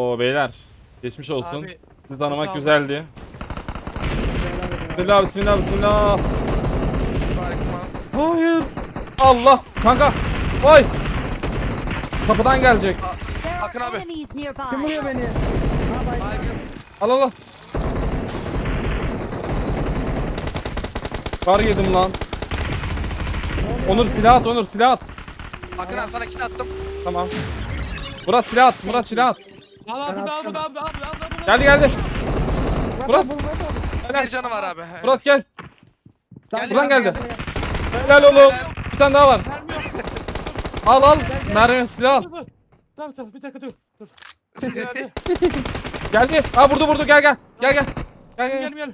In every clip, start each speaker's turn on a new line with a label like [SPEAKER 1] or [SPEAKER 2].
[SPEAKER 1] Oo beyler. Geçmiş olsun.
[SPEAKER 2] Abi,
[SPEAKER 1] Sizi tanımak
[SPEAKER 2] sağ ol.
[SPEAKER 1] güzeldi. Bismillah bismillah bismillah. Hayır. Allah kanka. Vay. Kapıdan gelecek.
[SPEAKER 3] There
[SPEAKER 4] Akın
[SPEAKER 3] are
[SPEAKER 4] abi.
[SPEAKER 3] enemies
[SPEAKER 5] Kim
[SPEAKER 3] nearby.
[SPEAKER 5] vuruyor beni? Ha baygın.
[SPEAKER 1] Al al al. Kar yedim lan. Onur silah at, Onur silah at.
[SPEAKER 4] Akın abi sana kit attım.
[SPEAKER 1] Tamam. Murat silah at, Murat silah at.
[SPEAKER 2] Al
[SPEAKER 5] Ben
[SPEAKER 2] al
[SPEAKER 5] attım.
[SPEAKER 2] al.
[SPEAKER 1] Geldi geldi. Murat.
[SPEAKER 4] Bir canı var abi.
[SPEAKER 1] Murat gel.
[SPEAKER 4] Geldi,
[SPEAKER 1] Buradan
[SPEAKER 4] geldi,
[SPEAKER 1] geldi.
[SPEAKER 4] geldi.
[SPEAKER 1] Helal oğlum. Bir tane daha var.
[SPEAKER 2] Mermi yok.
[SPEAKER 1] Al al. Mermi silah al.
[SPEAKER 2] Dur. Tamam bir dakika dur. Geldi.
[SPEAKER 1] Geldi. Ha vurdu gel gel. Gel gel. Gel gel.
[SPEAKER 2] Gel.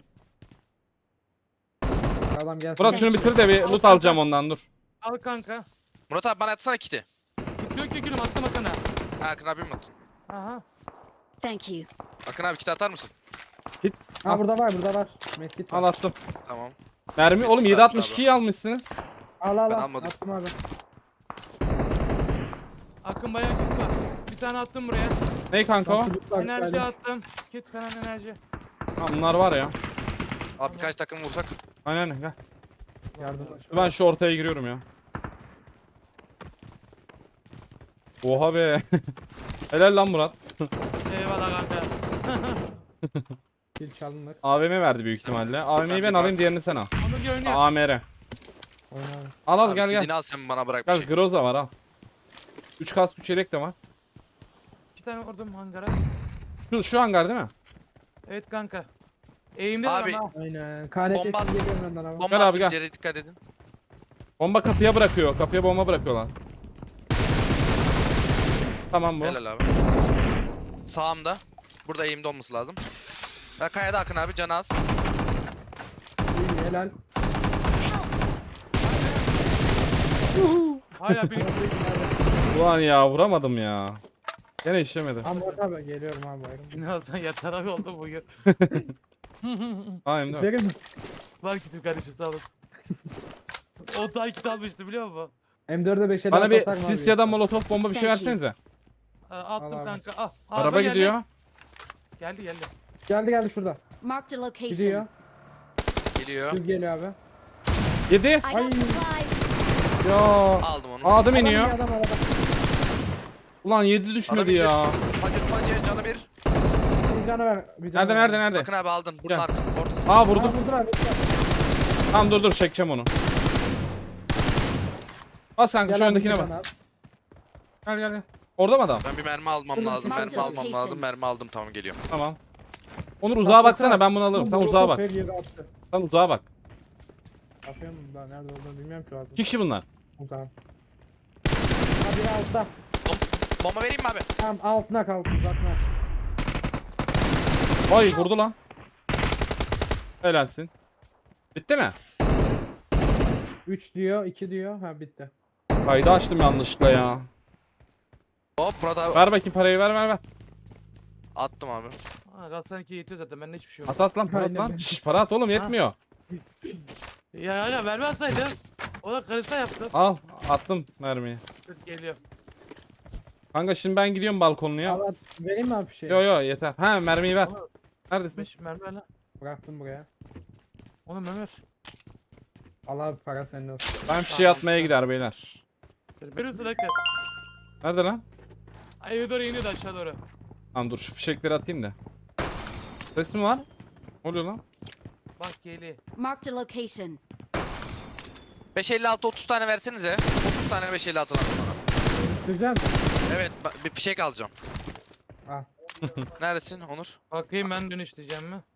[SPEAKER 5] Adam gelsin.
[SPEAKER 1] Murat şunu bitir de bir loot alacağım ondan dur.
[SPEAKER 2] Al kanka.
[SPEAKER 4] Murat abi bana atsana kiti.
[SPEAKER 2] Yok gülüm attım Akın'a.
[SPEAKER 4] Ha Akın abi mi attın?
[SPEAKER 2] Aha.
[SPEAKER 3] Thank you.
[SPEAKER 4] Akın abi kiti atar mısın?
[SPEAKER 1] Git.
[SPEAKER 5] Ha burada var. Medkit var.
[SPEAKER 1] Al attım.
[SPEAKER 4] Tamam.
[SPEAKER 1] Mermi oğlum 7.62'yi almışsınız.
[SPEAKER 5] Al
[SPEAKER 4] Ben almadım.
[SPEAKER 5] Attım abi.
[SPEAKER 2] Akın bayağı kit var. Bir tane attım buraya.
[SPEAKER 1] Ney kanka o?
[SPEAKER 2] Enerji attım. Kit falan enerji.
[SPEAKER 1] Ha, bunlar var ya.
[SPEAKER 4] Abi birkaç takım vursak.
[SPEAKER 1] Aynen gel.
[SPEAKER 5] Yardım.
[SPEAKER 1] Ben şu ortaya giriyorum ya. Oha be. Helal lan Murat.
[SPEAKER 2] Eyvallah kanka.
[SPEAKER 5] Kill çalınır.
[SPEAKER 1] AVM verdi büyük ihtimalle. AVM'yi ben alayım, diğerini sen al.
[SPEAKER 2] Onu görünüyor.
[SPEAKER 1] AMR.
[SPEAKER 5] Oyna.
[SPEAKER 1] Al al
[SPEAKER 4] Abi
[SPEAKER 1] gel gel.
[SPEAKER 4] silini al sen bana bırak bir
[SPEAKER 1] Gel
[SPEAKER 4] şey.
[SPEAKER 1] Groza var al. 3 kask 3 yelek de var.
[SPEAKER 2] 2 tane vurdum hangara.
[SPEAKER 1] Şu hangar değil mi?
[SPEAKER 2] Evet kanka. Eğimde var
[SPEAKER 4] Abi,
[SPEAKER 2] ama.
[SPEAKER 5] Aynen.
[SPEAKER 4] Bomba-
[SPEAKER 5] KNT'si geliyor benden abi.
[SPEAKER 4] Bomba
[SPEAKER 1] Gel abi,
[SPEAKER 4] attım
[SPEAKER 1] gel.
[SPEAKER 4] içeri dikkat edin.
[SPEAKER 1] Bomba kapıya bırakıyor. Kapıya bomba bırakıyorlar. Tamam bu.
[SPEAKER 4] Helal abi. Sağımda. Burada eğimde olması lazım. Ya kayada Akın abi canı az.
[SPEAKER 5] İyi, helal.
[SPEAKER 2] Hala bir
[SPEAKER 1] Ulan ya vuramadım ya. Gene işlemedi.
[SPEAKER 5] Murat abi geliyorum abi bayram.
[SPEAKER 2] Birazdan yatarak oldu bugün.
[SPEAKER 1] Aynen değil mi?
[SPEAKER 5] Verin mi?
[SPEAKER 2] Var kitim kardeşim sağ olasın. O da kit almıştı biliyor musun?
[SPEAKER 5] M4'e 5'e
[SPEAKER 1] Bana bir sis ya da molotof bomba bir şey versenize.
[SPEAKER 2] Attım
[SPEAKER 5] Al abi.
[SPEAKER 2] kanka. Al.
[SPEAKER 1] Araba
[SPEAKER 2] geldi.
[SPEAKER 1] gidiyor.
[SPEAKER 2] Geldi.
[SPEAKER 5] Geldi şurada.
[SPEAKER 3] Marked a location.
[SPEAKER 5] Gidiyor.
[SPEAKER 4] Geliyor.
[SPEAKER 5] Düz geliyor abi.
[SPEAKER 1] 7.
[SPEAKER 3] I
[SPEAKER 5] Ay.
[SPEAKER 3] got supplies.
[SPEAKER 1] Ya.
[SPEAKER 4] Aldım onu.
[SPEAKER 1] Adım iniyor.
[SPEAKER 5] Adam arada.
[SPEAKER 1] Ulan 7 düşmedi
[SPEAKER 4] Adam
[SPEAKER 1] ya.
[SPEAKER 4] Hacı canı bir.
[SPEAKER 5] Bir canı ver. Bir canı
[SPEAKER 1] Nerede
[SPEAKER 5] ver.
[SPEAKER 1] nerede nerede?
[SPEAKER 4] Akın abi aldın. Bunun
[SPEAKER 1] Gel.
[SPEAKER 4] arkası. Ortası.
[SPEAKER 1] Aa vurdum.
[SPEAKER 5] Vurdur abi.
[SPEAKER 1] Tamam dur çekeceğim onu. Bas kanka şu
[SPEAKER 5] Gel abi,
[SPEAKER 1] öndekine
[SPEAKER 5] bir
[SPEAKER 1] bak.
[SPEAKER 5] tane al.
[SPEAKER 1] Gel. Orada mı adam?
[SPEAKER 4] Ben bir mermi almam lazım.
[SPEAKER 3] Mark
[SPEAKER 4] Mermi almam
[SPEAKER 3] location.
[SPEAKER 4] lazım. Mermi aldım tamam geliyor.
[SPEAKER 1] Tamam. Onur uzağa baksana, ben bunu alırım. Sen uzağa bak.
[SPEAKER 5] Her yeri attı.
[SPEAKER 1] Sen uzağa bak.
[SPEAKER 5] Atıyorum daha nerede olduğunu bilmiyorum ki o adam.
[SPEAKER 1] 2 kişi bunlar.
[SPEAKER 5] Uzağım. Ha biri altta.
[SPEAKER 4] Bomba vereyim mi abi?
[SPEAKER 5] Tamam altına kalk uzatma.
[SPEAKER 1] Vay vurdu lan. Helalsin. Bitti mi?
[SPEAKER 5] 3 diyor 2 diyor. Ha bitti.
[SPEAKER 1] Kaydı açtım yanlışlıkla ya.
[SPEAKER 4] Hop Murat abi.
[SPEAKER 1] Ver bakayım parayı, ver.
[SPEAKER 4] Attım abi.
[SPEAKER 2] Galatasaray 2 yetiyor zaten. Bende hiçbir şey yok.
[SPEAKER 1] At lan para at
[SPEAKER 5] Aynen.
[SPEAKER 1] lan. Şş, para at oğlum yetmiyor.
[SPEAKER 2] Ya vermezseydim. O da karısa yaptı.
[SPEAKER 1] Al attım mermiyi.
[SPEAKER 2] Dur, geliyor.
[SPEAKER 1] Kanka şimdi ben gidiyorum balkonluya.
[SPEAKER 5] Al at. Vereyim mi abi bir şey?
[SPEAKER 1] Yo yeter. Ha mermiyi ver. Neredesin?
[SPEAKER 2] 5 mermi ver lan.
[SPEAKER 5] Bıraktım buraya.
[SPEAKER 2] Onu Ömer.
[SPEAKER 5] Al abi para senin olsun.
[SPEAKER 1] Ben fişeği atmaya gider beyler.
[SPEAKER 2] Veriyorsun hakikaten.
[SPEAKER 1] Nerede lan?
[SPEAKER 2] Ay eve doğru iniyordu aşağı doğru.
[SPEAKER 1] Tamam dur şu fişekleri atayım da. Ses mi var? Ne oluyor lan?
[SPEAKER 2] Bak geli.
[SPEAKER 3] Marked a location.
[SPEAKER 4] 556 30 tane versenize. 30 tane 556 lazım bana.
[SPEAKER 5] Güzel.
[SPEAKER 4] Evet bir fişek alacağım.
[SPEAKER 5] Al.
[SPEAKER 4] Neredesin Onur?
[SPEAKER 2] Bakayım ben dönüşleyeceğim mi?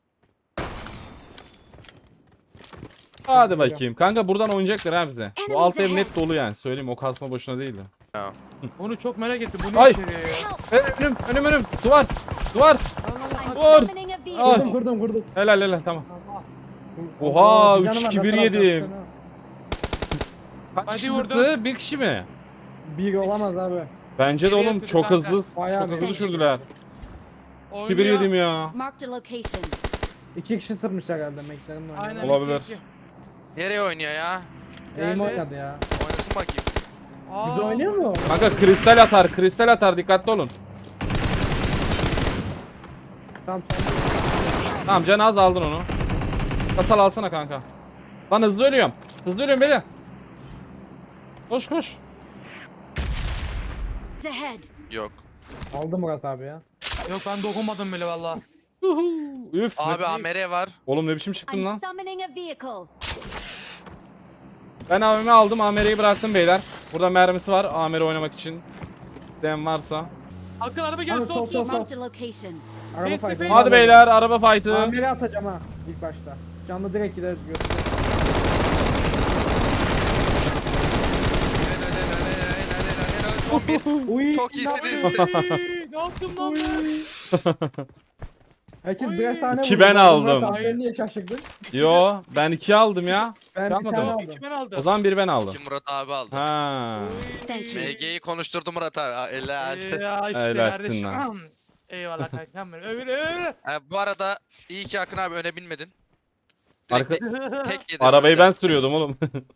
[SPEAKER 1] Hadi bakayım. Kanka buradan oynayacaklar ha bize. Bu
[SPEAKER 3] Enemies
[SPEAKER 1] alt ev
[SPEAKER 3] ahead.
[SPEAKER 1] net dolu yani. Söyleyeyim o kasma boşuna değildi.
[SPEAKER 2] Onu çok merak ettim. Bu ne
[SPEAKER 1] Ay.
[SPEAKER 2] içeriyor ya?
[SPEAKER 1] Önüm. Duvar. Duvar.
[SPEAKER 3] I'm
[SPEAKER 1] Dur.
[SPEAKER 3] summoning a vehicle.
[SPEAKER 1] Ay.
[SPEAKER 5] Kurdum.
[SPEAKER 1] Helal tamam. Oha,
[SPEAKER 5] Bir canı
[SPEAKER 1] 3-2-1
[SPEAKER 5] var, nasıl alacaksın
[SPEAKER 1] yedim.
[SPEAKER 5] ha?
[SPEAKER 1] Kaç
[SPEAKER 2] Hadi
[SPEAKER 1] kişi
[SPEAKER 2] vurdum.
[SPEAKER 1] vurdu? Bir kişi mi?
[SPEAKER 5] Bir olamaz abi.
[SPEAKER 1] Bence de
[SPEAKER 2] Geriye
[SPEAKER 1] oğlum
[SPEAKER 2] sürdü
[SPEAKER 1] çok
[SPEAKER 2] kanka.
[SPEAKER 1] hızlı.
[SPEAKER 5] Bayağı
[SPEAKER 1] Çok hızlı
[SPEAKER 5] bir-
[SPEAKER 1] düşürdüler. 2-1
[SPEAKER 2] Oynuyor.
[SPEAKER 1] yedim ya.
[SPEAKER 3] Marked a location.
[SPEAKER 5] 2 kişi sırmış herhalde McLaren'ın oynadı.
[SPEAKER 2] Aynen.
[SPEAKER 1] Olabilir.
[SPEAKER 2] 2-2.
[SPEAKER 4] Nereye oynuyor ya?
[SPEAKER 5] Eğim
[SPEAKER 2] Geldi.
[SPEAKER 5] oynadı ya.
[SPEAKER 4] Oynasın bakayım.
[SPEAKER 2] Aa,
[SPEAKER 5] Güzel oynuyor mu?
[SPEAKER 1] Kanka kristal atar dikkatli olun.
[SPEAKER 5] Tamam sen de.
[SPEAKER 1] Tamam can az aldın onu. Kasal alsana kanka. Lan hızlı ölüyorum. Hızlı ölüyorum beni. Koş koş.
[SPEAKER 3] Ahead.
[SPEAKER 4] Yok.
[SPEAKER 5] Aldı Murat abi ya.
[SPEAKER 2] Yok ben dokunmadım bile valla.
[SPEAKER 1] Uhu. Üf.
[SPEAKER 4] Abi AMR var.
[SPEAKER 1] Oğlum ne biçim çıktın
[SPEAKER 3] I'm
[SPEAKER 1] lan?
[SPEAKER 3] summoning a vehicle.
[SPEAKER 1] Ben AVM'i aldım. AMR'yi bıraktım beyler. Burada mermisi var. AMR oynamak için. Den varsa.
[SPEAKER 2] Hakan araba
[SPEAKER 5] Abi,
[SPEAKER 2] gel
[SPEAKER 5] sol,
[SPEAKER 2] sol
[SPEAKER 5] sol,
[SPEAKER 2] sol.
[SPEAKER 5] sol.
[SPEAKER 3] Marked a location.
[SPEAKER 5] Araba
[SPEAKER 2] Face to
[SPEAKER 5] fight'ı.
[SPEAKER 2] face.
[SPEAKER 1] Hadi beyler araba fight'ı.
[SPEAKER 5] Amir'e atacağım ha ilk başta. Canlı direkt gider götürür.
[SPEAKER 4] Son bir.
[SPEAKER 5] Uy,
[SPEAKER 4] Çok
[SPEAKER 5] ne
[SPEAKER 4] iyisiniz.
[SPEAKER 5] yapıyorsun?
[SPEAKER 2] Ne yaptım lan ben?
[SPEAKER 5] Herkes birer tane
[SPEAKER 1] İki
[SPEAKER 5] vurdu.
[SPEAKER 1] ben
[SPEAKER 5] Murat
[SPEAKER 1] aldım.
[SPEAKER 5] abi, sen niye şaşırdın?
[SPEAKER 1] Yo ben 2 aldım ya.
[SPEAKER 5] Ben
[SPEAKER 1] Yapmadım.
[SPEAKER 5] bir tane
[SPEAKER 2] Yok
[SPEAKER 5] aldım.
[SPEAKER 2] iki ben aldım.
[SPEAKER 1] O zaman bir ben aldım.
[SPEAKER 4] Kim Murat abi aldı.
[SPEAKER 1] Ha.
[SPEAKER 3] Thank you.
[SPEAKER 4] MG'yi konuşturdu Murat abi. Helal.
[SPEAKER 2] Ya işte
[SPEAKER 1] Helalsin
[SPEAKER 2] kardeşim.
[SPEAKER 1] lan.
[SPEAKER 2] Eyvallah kankam benim. Öyle.
[SPEAKER 4] Bu arada iyi ki Akın abi öne binmedin.
[SPEAKER 1] Arka...
[SPEAKER 4] Tek yedin.
[SPEAKER 1] Arabayı
[SPEAKER 4] önden.
[SPEAKER 1] ben sürüyordum oğlum.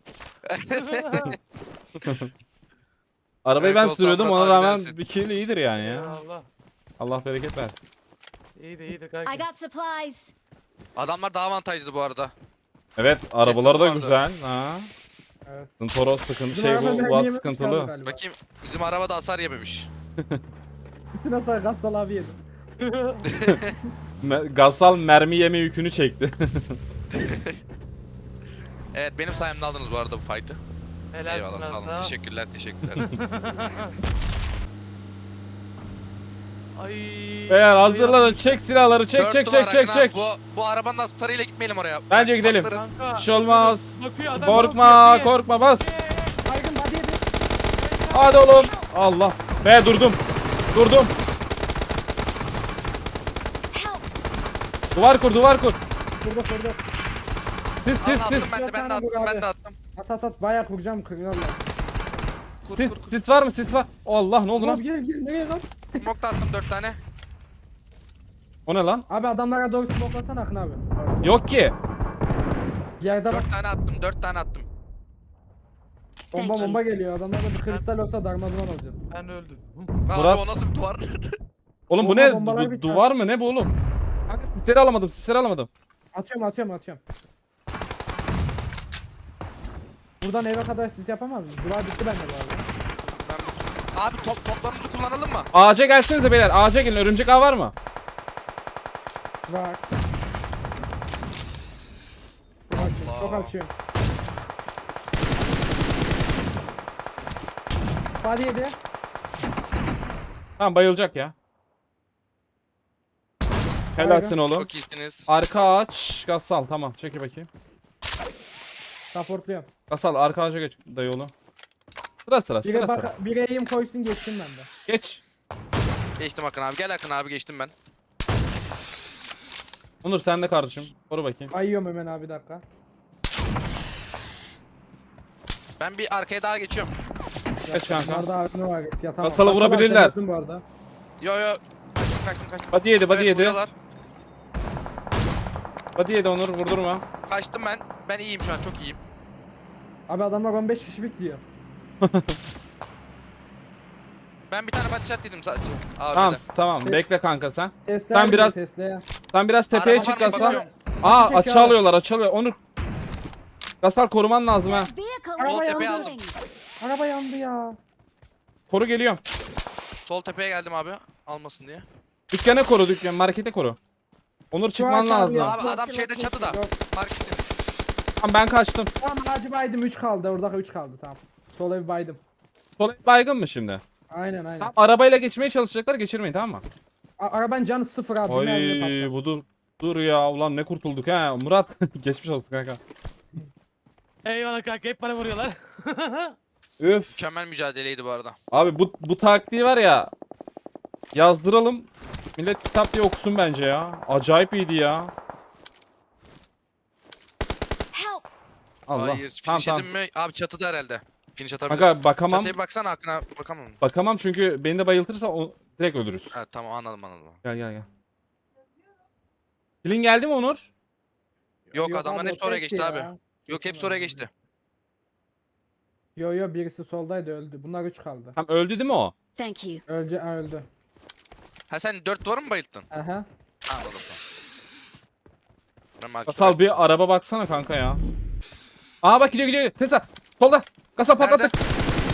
[SPEAKER 1] Arabayı
[SPEAKER 4] Evet,
[SPEAKER 1] ben
[SPEAKER 4] Sultan
[SPEAKER 1] sürüyordum
[SPEAKER 4] Murat
[SPEAKER 1] ona
[SPEAKER 4] abi
[SPEAKER 1] rağmen
[SPEAKER 4] dersin.
[SPEAKER 1] bir kill iyidir yani ya.
[SPEAKER 2] Eyvallah.
[SPEAKER 1] Allah bereket versin.
[SPEAKER 2] İyidir
[SPEAKER 3] I
[SPEAKER 2] kanka.
[SPEAKER 3] got supplies.
[SPEAKER 4] Adamlar daha avantajlı bu arada.
[SPEAKER 1] Evet arabaları da
[SPEAKER 4] vardı.
[SPEAKER 1] güzel. Ha.
[SPEAKER 5] Evet.
[SPEAKER 1] Toro sıkıntı
[SPEAKER 5] Bizim
[SPEAKER 1] şey
[SPEAKER 5] araba
[SPEAKER 1] bu
[SPEAKER 5] mermi
[SPEAKER 1] Uaz
[SPEAKER 5] yememiş kaldı
[SPEAKER 1] sıkıntılı.
[SPEAKER 5] galiba.
[SPEAKER 4] Bakayım bizim araba da hasar yememiş.
[SPEAKER 5] Bütün hasar Gassal abi yedim.
[SPEAKER 1] Gasal mermi yeme yükünü çekti.
[SPEAKER 4] Evet benim sayemde aldınız bu arada bu fight'ı.
[SPEAKER 2] Helal
[SPEAKER 4] Eyvallah sağ olun. Teşekkürler teşekkürler.
[SPEAKER 2] Ay.
[SPEAKER 1] Beyler hazırlanın çek silahları çek
[SPEAKER 4] Dört
[SPEAKER 1] çek
[SPEAKER 4] numara
[SPEAKER 1] çek çek
[SPEAKER 4] Akın abi,
[SPEAKER 1] çek.
[SPEAKER 4] Bu arabanın hasarıyla gitmeyelim oraya.
[SPEAKER 1] Bence gidelim.
[SPEAKER 4] Patlarız.
[SPEAKER 2] Kanka.
[SPEAKER 1] Bir şey olmaz.
[SPEAKER 2] Bakıyor adam.
[SPEAKER 1] Korkma
[SPEAKER 2] bakıyor.
[SPEAKER 1] korkma bas.
[SPEAKER 5] Baygın body yedi.
[SPEAKER 1] Hadi oğlum. Allah. Be durdum. Durdum.
[SPEAKER 3] Help.
[SPEAKER 1] Duvar kur duvar kur.
[SPEAKER 5] Kurdu kurdu.
[SPEAKER 1] Sis
[SPEAKER 4] Alın
[SPEAKER 1] sis
[SPEAKER 4] attım
[SPEAKER 1] sis.
[SPEAKER 4] ben de
[SPEAKER 5] Dört tane
[SPEAKER 4] attım
[SPEAKER 5] vur
[SPEAKER 4] ben
[SPEAKER 5] abi.
[SPEAKER 4] de attım.
[SPEAKER 5] At bayağı kuracağım kırıyorlar.
[SPEAKER 4] Kur
[SPEAKER 1] Sis
[SPEAKER 4] kur kur.
[SPEAKER 1] sis var mı sis var. Allah ne oldu
[SPEAKER 5] Ulan
[SPEAKER 1] lan?
[SPEAKER 5] gel gel nereye lan?
[SPEAKER 4] Smoke da attım 4 tane.
[SPEAKER 1] O ne lan?
[SPEAKER 5] Abi adamlara doğru smoklasana Akın abi.
[SPEAKER 1] Yok ki.
[SPEAKER 5] Yerde bak
[SPEAKER 4] 4 tane attım 4 tane attım.
[SPEAKER 5] bomba
[SPEAKER 3] Thank you.
[SPEAKER 5] bomba geliyor. Adamlarda bir kristal olsa darmadağın olacak.
[SPEAKER 2] Ben öldüm.
[SPEAKER 4] Abi
[SPEAKER 1] Murat.
[SPEAKER 4] o nasıl bir duvar?
[SPEAKER 1] Oğlum bu
[SPEAKER 5] Bomba,
[SPEAKER 1] ne?
[SPEAKER 5] bombalar biter.
[SPEAKER 1] Duvar mı ne bu oğlum? Kanka sisleri alamadım sisleri alamadım.
[SPEAKER 5] Atıyorum. Buradan eve kadar siz yapamaz mısınız? Duvar bitti bende bu arada.
[SPEAKER 4] Abi toplarımızı kullanalım mı?
[SPEAKER 1] Ağaca gelsenize beyler ağaca gelin örümcek ağ var mı?
[SPEAKER 5] Bak. Çok açıyorum. Body yedi.
[SPEAKER 1] Tamam bayılacak ya. Helalsin oğlum.
[SPEAKER 4] Çok iyisiniz.
[SPEAKER 1] Arka ağaç Gasal tamam çeki bakayım.
[SPEAKER 5] Supportluyorum.
[SPEAKER 1] Gasal arka ağaca geç dayı oğlum. Sıra
[SPEAKER 5] Bire,
[SPEAKER 1] sıra.
[SPEAKER 5] bire eğim koysun geçsin bende.
[SPEAKER 1] Geç.
[SPEAKER 4] Geçtim Akın abi. Gel Akın abi geçtim ben.
[SPEAKER 1] Onur sen de kardeşim. Koru bakayım.
[SPEAKER 5] Ayıyorum hemen abi bir dakika.
[SPEAKER 4] Ben bir arkaya daha geçiyorum.
[SPEAKER 1] Geç kanka.
[SPEAKER 5] Bunlarda ağrını var. Yatamam.
[SPEAKER 1] Gasal'ı
[SPEAKER 5] Gasal
[SPEAKER 1] vurabilirler.
[SPEAKER 5] abi, sen öldün bu arada.
[SPEAKER 4] Yo kaçtım.
[SPEAKER 1] Body yedi body
[SPEAKER 4] Evet,
[SPEAKER 1] yedi.
[SPEAKER 4] vuruyorlar.
[SPEAKER 1] Body yedi Onur vurdurma.
[SPEAKER 4] Kaçtım ben. Ben iyiyim şu an çok iyiyim.
[SPEAKER 5] Abi adamlar 15 kişi bekliyor.
[SPEAKER 4] Ben bir tane body shot dedim sadece. Abi
[SPEAKER 1] Tamam
[SPEAKER 4] de.
[SPEAKER 1] tamam
[SPEAKER 5] Ses-
[SPEAKER 1] bekle kanka sen.
[SPEAKER 5] Tesla
[SPEAKER 1] Sen biraz-
[SPEAKER 5] Tesla'ya.
[SPEAKER 1] Sen biraz tepeye
[SPEAKER 4] Araba
[SPEAKER 1] çık
[SPEAKER 4] var mı?
[SPEAKER 1] Gasal.
[SPEAKER 4] Bakıyorum.
[SPEAKER 1] Aa
[SPEAKER 5] Çek
[SPEAKER 1] açı
[SPEAKER 5] abi.
[SPEAKER 1] alıyorlar. Onur. Gasal koruman lazım ha.
[SPEAKER 3] Vehicle
[SPEAKER 5] Araba
[SPEAKER 3] is
[SPEAKER 4] tepeye aldım.
[SPEAKER 3] moving.
[SPEAKER 5] Araba yandı ya.
[SPEAKER 1] Koru geliyorum.
[SPEAKER 4] Sol tepeye geldim abi. Almasın diye.
[SPEAKER 1] Dükkana koru dükkan markete koru. Onur çıkman
[SPEAKER 5] aç abi
[SPEAKER 1] lazım.
[SPEAKER 5] ya.
[SPEAKER 4] Abi adam şeyde çatıda.
[SPEAKER 5] Yok.
[SPEAKER 4] Marketin.
[SPEAKER 1] Tamam ben kaçtım.
[SPEAKER 5] Tamam hacı baydım 3 kaldı. Orada 3 kaldı tamam. Sol ev baydım.
[SPEAKER 1] Sol baygın mı şimdi?
[SPEAKER 5] Aynen.
[SPEAKER 1] Tamam arabayla geçmeye çalışacaklar geçirmeyin tamam mı?
[SPEAKER 5] Arabanın canı 0 abi. bir mermiyle
[SPEAKER 1] Ay
[SPEAKER 5] patlar.
[SPEAKER 1] bu dur ya ulan ne kurtulduk ha Murat geçmiş olsun kanka.
[SPEAKER 2] Eyvallah kanka hep bana vuruyorlar.
[SPEAKER 1] Üf.
[SPEAKER 4] Mükemmel mücadeleydi bu arada.
[SPEAKER 1] Abi bu taktiği var ya yazdıralım. Millet kitap diye okusun bence ya. Acayip iyiydi ya.
[SPEAKER 3] Help.
[SPEAKER 1] Allah.
[SPEAKER 4] Hayır.
[SPEAKER 1] Tamam
[SPEAKER 4] Finish
[SPEAKER 1] tamam.
[SPEAKER 4] edin mi? Abi çatıda herhalde. Finish atabilir.
[SPEAKER 1] Kanka bakamam.
[SPEAKER 4] Çatıya bir baksana Akın abi. Bakamam.
[SPEAKER 1] Bakamam çünkü beni de bayıltırsa direkt ölürüz.
[SPEAKER 4] Ha tamam anladım.
[SPEAKER 1] Gel. Kilin geldi mi Onur?
[SPEAKER 4] Yok adamların
[SPEAKER 5] abi,
[SPEAKER 4] hepsi
[SPEAKER 5] o
[SPEAKER 4] oraya
[SPEAKER 5] tekti
[SPEAKER 4] geçti
[SPEAKER 5] ya.
[SPEAKER 4] abi. Yok hepsi oraya geçti.
[SPEAKER 5] Yo birisi soldaydı öldü. Bunlar 3 kaldı.
[SPEAKER 1] Tam öldü değil mi o?
[SPEAKER 3] Thank you.
[SPEAKER 5] Öldü.
[SPEAKER 4] Ha sen 4 duvarı mı bayılttın?
[SPEAKER 5] Aha.
[SPEAKER 4] Anladım tamam. Ben markete
[SPEAKER 1] Kasal
[SPEAKER 4] bakayım.
[SPEAKER 1] bir araba baksana kanka ya. Aa bak gidiyor. Tesla. Solda. Kasal patladı.
[SPEAKER 4] Nerede?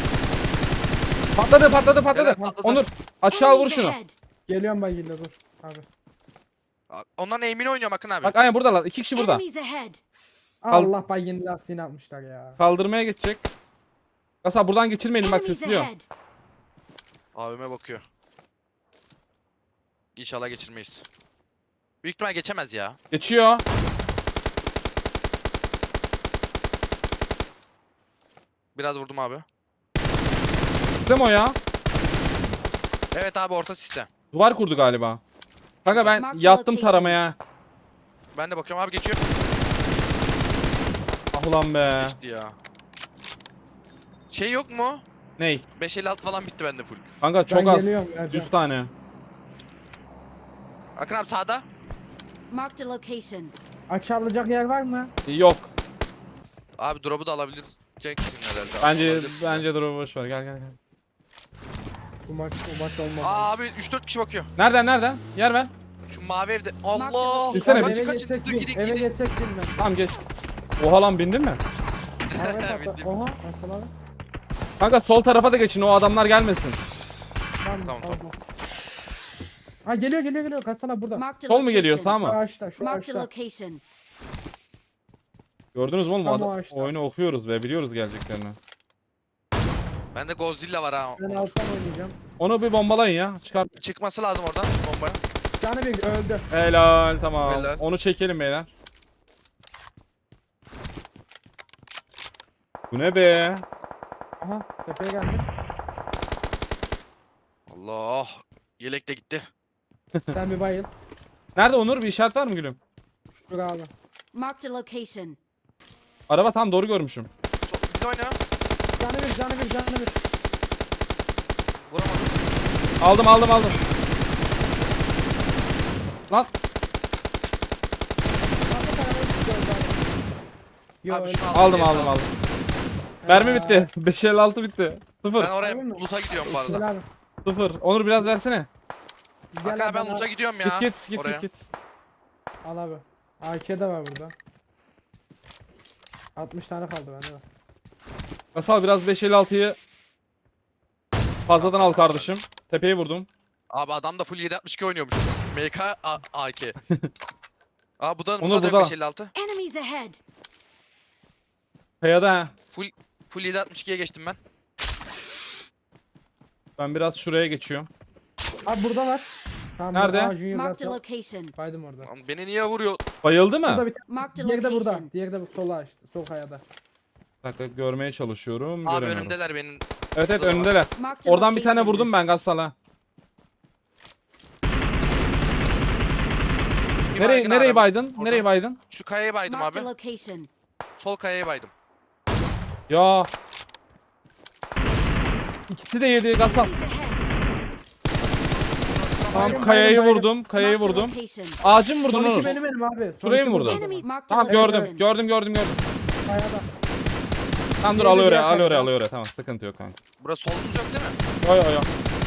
[SPEAKER 1] Patladı.
[SPEAKER 4] Helal, patladı.
[SPEAKER 1] Onur. Açığa vur
[SPEAKER 3] Enemies
[SPEAKER 1] şunu.
[SPEAKER 3] ahead.
[SPEAKER 5] Geliyorum ben yine dur. Abi.
[SPEAKER 4] Onların aim'ini oynuyorum Akın abi.
[SPEAKER 1] Bak aynen buradalar. 2 kişi burada.
[SPEAKER 3] Enemies ahead.
[SPEAKER 5] Allah bay yeni lastiğini atmışlar ya.
[SPEAKER 1] Kaldırmaya geçecek. Kasal buradan geçirmeyelim bak
[SPEAKER 3] Enemies
[SPEAKER 1] sesliyor.
[SPEAKER 3] ahead.
[SPEAKER 4] Abime bakıyor. İnşallah geçirmeyiz. Büyük ihtimal geçemez ya.
[SPEAKER 1] Geçiyor.
[SPEAKER 4] Biraz vurdum abi.
[SPEAKER 1] Değil mi o ya?
[SPEAKER 4] Evet abi orta siste.
[SPEAKER 1] Duvar kurdu galiba. Kanka ben
[SPEAKER 3] Mark the
[SPEAKER 1] yattım
[SPEAKER 3] location.
[SPEAKER 1] taramaya.
[SPEAKER 4] Ben de bakıyorum abi geçiyor.
[SPEAKER 1] Ah ulan be.
[SPEAKER 4] Geçti ya. Şey yok mu?
[SPEAKER 1] Ney?
[SPEAKER 4] 556 falan bitti bende full.
[SPEAKER 1] Kanka çok az.
[SPEAKER 5] geliyorum, Ercan.
[SPEAKER 1] 100 tane.
[SPEAKER 4] Akın abi sağda.
[SPEAKER 3] Marked a location.
[SPEAKER 5] Açı alacak yer var mı?
[SPEAKER 1] Yok.
[SPEAKER 4] Abi drop'u da alabileceksin herhalde.
[SPEAKER 1] Bence
[SPEAKER 4] Alabilirsin ya.
[SPEAKER 1] bence dur boş ver. Gel.
[SPEAKER 5] Bu maç olmadı.
[SPEAKER 4] Aa abi 3-4 kişi bakıyor.
[SPEAKER 1] Nereden? Yer ver.
[SPEAKER 4] Şu mavi evde. Allah!
[SPEAKER 1] Gitsene
[SPEAKER 4] Kaçın
[SPEAKER 5] eve
[SPEAKER 4] kaçın.
[SPEAKER 5] geçsek
[SPEAKER 4] Dur
[SPEAKER 5] bin.
[SPEAKER 4] gidin
[SPEAKER 5] Eve
[SPEAKER 4] gidin.
[SPEAKER 5] geçsek bin ben.
[SPEAKER 1] Tamam geç. Oha lan bindin mi?
[SPEAKER 5] Arabaya patla.
[SPEAKER 4] Bindim.
[SPEAKER 5] Oha. Nasıl abi?
[SPEAKER 1] Kanka sol tarafa da geçin o adamlar gelmesin.
[SPEAKER 5] Tamam.
[SPEAKER 4] Tamam.
[SPEAKER 5] Ha geliyor. Kasana burada.
[SPEAKER 3] Marked a
[SPEAKER 1] Sol mu geliyor sağ
[SPEAKER 3] location.
[SPEAKER 5] Şu
[SPEAKER 1] mı?
[SPEAKER 5] ağaçta şu
[SPEAKER 3] Marked a
[SPEAKER 5] ağaçta.
[SPEAKER 3] location.
[SPEAKER 1] Gördünüz mü oğlum?
[SPEAKER 5] Tam
[SPEAKER 1] Adam,
[SPEAKER 5] o ağaçta.
[SPEAKER 1] oyunu okuyoruz ve biliyoruz geleceklerini.
[SPEAKER 4] Bende Godzilla var ha.
[SPEAKER 5] Ben
[SPEAKER 4] Onur.
[SPEAKER 5] alttan oynayacağım.
[SPEAKER 1] Onu bir bombalayın ya. Çıkar.
[SPEAKER 4] Çıkması lazım oradan bombaya.
[SPEAKER 5] Canı bir öldü.
[SPEAKER 1] Helal tamam.
[SPEAKER 4] Helal.
[SPEAKER 1] Onu çekelim beyler. Bu ne be?
[SPEAKER 5] Aha tepeye geldi.
[SPEAKER 4] Allah. Yelek de gitti.
[SPEAKER 5] Sen bir bayıl.
[SPEAKER 1] Nerede Onur? Bir işaret var mı gülüm?
[SPEAKER 5] Dur abi.
[SPEAKER 3] Marked a location.
[SPEAKER 1] Araba tam doğru görmüşüm.
[SPEAKER 4] Biz oyna.
[SPEAKER 5] Canı bir.
[SPEAKER 4] Vuramadım.
[SPEAKER 1] Aldım. Lan
[SPEAKER 5] Yo,
[SPEAKER 4] Abi
[SPEAKER 5] öldü.
[SPEAKER 4] şunu
[SPEAKER 1] aldım.
[SPEAKER 4] diye.
[SPEAKER 1] Mermi bitti. 556 bitti. Sıfır.
[SPEAKER 4] Ben oraya
[SPEAKER 5] Harbi mi?
[SPEAKER 4] loot'a gidiyorum bu
[SPEAKER 5] Gel
[SPEAKER 4] arada.
[SPEAKER 5] abi.
[SPEAKER 1] Sıfır. Onur biraz versene.
[SPEAKER 5] Gel
[SPEAKER 4] Akın abi ben
[SPEAKER 5] bana.
[SPEAKER 4] loot'a gidiyorum ya.
[SPEAKER 1] Git.
[SPEAKER 4] Oraya.
[SPEAKER 5] Al abi. AK de var burada. 60 tane kaldı bende de.
[SPEAKER 1] Kasal biraz 556'yı fazladan al kardeşim. Tepeyi vurdum.
[SPEAKER 4] Abi adam da full 762 oynuyormuş. MK AK. Aa bu da
[SPEAKER 1] Onur
[SPEAKER 4] bu da
[SPEAKER 1] burada.
[SPEAKER 4] 556.
[SPEAKER 3] Enemies ahead.
[SPEAKER 1] Kayada ha.
[SPEAKER 4] Full 762'ye geçtim ben.
[SPEAKER 1] Ben biraz şuraya geçiyorum.
[SPEAKER 5] Abi burada var. Tamam,
[SPEAKER 1] Nerede?
[SPEAKER 5] Aa, Junior
[SPEAKER 3] Marked a
[SPEAKER 5] Russell.
[SPEAKER 3] location.
[SPEAKER 5] Baydım orada.
[SPEAKER 4] Lan beni niye vuruyor?
[SPEAKER 1] Bayıldı
[SPEAKER 5] Burada
[SPEAKER 1] mı?
[SPEAKER 5] bir
[SPEAKER 3] Marked a
[SPEAKER 5] Diğeri de burada.
[SPEAKER 3] location.
[SPEAKER 5] Diğeri de sola açtı. Sol kayada.
[SPEAKER 1] Bir dakika görmeye çalışıyorum.
[SPEAKER 4] Abi
[SPEAKER 1] Göremiyorum.
[SPEAKER 4] önümdeler benim.
[SPEAKER 1] Evet
[SPEAKER 4] Şurada da var.
[SPEAKER 1] önündeler.
[SPEAKER 3] Marked a
[SPEAKER 1] Oradan bir tane
[SPEAKER 3] location.
[SPEAKER 1] vurdum ben Gassal'a.
[SPEAKER 4] Bir baygın
[SPEAKER 1] Nereye
[SPEAKER 4] abi.
[SPEAKER 1] baydın?
[SPEAKER 4] Oradan.
[SPEAKER 1] Nereye baydın?
[SPEAKER 4] Şu kayaya baydım
[SPEAKER 3] Marked
[SPEAKER 4] abi.
[SPEAKER 3] a location.
[SPEAKER 4] Sol kayaya baydım.
[SPEAKER 1] Ya. İkisi de yedi Gassal.
[SPEAKER 3] Enemies ahead.
[SPEAKER 1] Tamam
[SPEAKER 5] Baydım,
[SPEAKER 1] kayayı
[SPEAKER 5] baydım.
[SPEAKER 1] vurdum. Kayayı
[SPEAKER 3] Marked a
[SPEAKER 1] vurdum.
[SPEAKER 3] location.
[SPEAKER 1] Ağacı mı vurdun
[SPEAKER 5] Son
[SPEAKER 1] Onur?
[SPEAKER 5] iki benim abi. Son
[SPEAKER 1] Şurayı
[SPEAKER 5] iki
[SPEAKER 1] mı vurdun?
[SPEAKER 5] burada.
[SPEAKER 3] Enemies marked a
[SPEAKER 1] Tamam
[SPEAKER 3] location.
[SPEAKER 1] gördüm.
[SPEAKER 5] Kayada.
[SPEAKER 1] Tamam dur
[SPEAKER 5] Diğeri
[SPEAKER 1] alıyor
[SPEAKER 5] diğer
[SPEAKER 1] oraya
[SPEAKER 5] kayada.
[SPEAKER 1] alıyor oraya. Tamam sıkıntı yok kanka.
[SPEAKER 4] Burası solumuz yok değil mi?
[SPEAKER 1] Yo.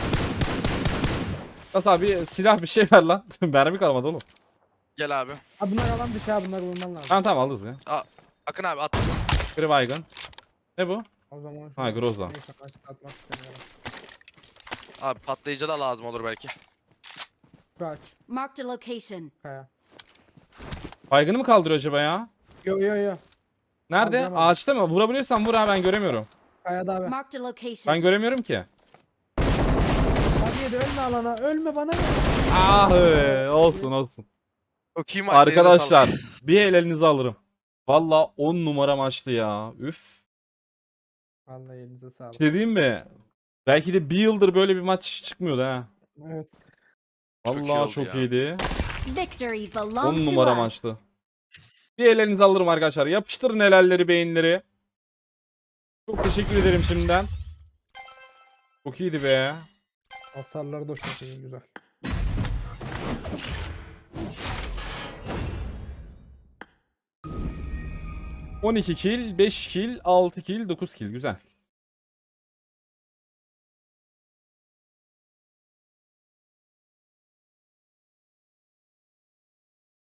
[SPEAKER 1] Gassal bir silah bir şey ver lan. Mermi kalmadı oğlum.
[SPEAKER 4] Gel abi.
[SPEAKER 5] Abi bunlar alan dışı abi, bunları vurman lazım.
[SPEAKER 1] Tamam alırız ya.
[SPEAKER 4] Akın abi at.
[SPEAKER 1] Biri baygın. Ne bu?
[SPEAKER 5] O zaman
[SPEAKER 1] Ha Groza.
[SPEAKER 5] Neyse atmak istemiyorum.
[SPEAKER 4] Abi patlayıcı da lazım olur belki.
[SPEAKER 5] Şu aç.
[SPEAKER 3] Marked a location.
[SPEAKER 5] Kaya.
[SPEAKER 1] Baygını mı kaldırıyor acaba ya?
[SPEAKER 5] Yo.
[SPEAKER 1] Nerede?
[SPEAKER 5] Kaldıramadım.
[SPEAKER 1] Ağaçta mı? Vurabiliyorsan vur ha ben göremiyorum.
[SPEAKER 5] Kayada abi.
[SPEAKER 3] Marked a location.
[SPEAKER 1] Ben göremiyorum ki.
[SPEAKER 5] Hadi yedi ölme alana. Ölme bana.
[SPEAKER 1] Ah olsun.
[SPEAKER 4] Çok iyi maç.
[SPEAKER 1] Arkadaşlar bir el elinize alırım. Valla 10 numara maçtı ya. Üf.
[SPEAKER 5] Vallahi elinize sağlık.
[SPEAKER 1] Bir şey diyeyim mi? Belki de bir yıldır böyle bir maç çıkmıyordu ha.
[SPEAKER 5] Evet.
[SPEAKER 4] Çok iyi
[SPEAKER 1] Vallahi
[SPEAKER 4] oldu
[SPEAKER 1] çok
[SPEAKER 4] ya.
[SPEAKER 1] iyiydi.
[SPEAKER 3] Victory
[SPEAKER 1] 10
[SPEAKER 3] belongs to
[SPEAKER 1] numara
[SPEAKER 3] us.
[SPEAKER 1] maçtı. Bir el elinize alırım arkadaşlar. Yapıştırın helalleri beyinleri. Çok teşekkür ederim şimdiden. Çok iyiydi be.
[SPEAKER 5] Hasarları da çok iyi, güzel.
[SPEAKER 1] ...12 kill, 5 kill, 6 kill, 9 kill. Güzel.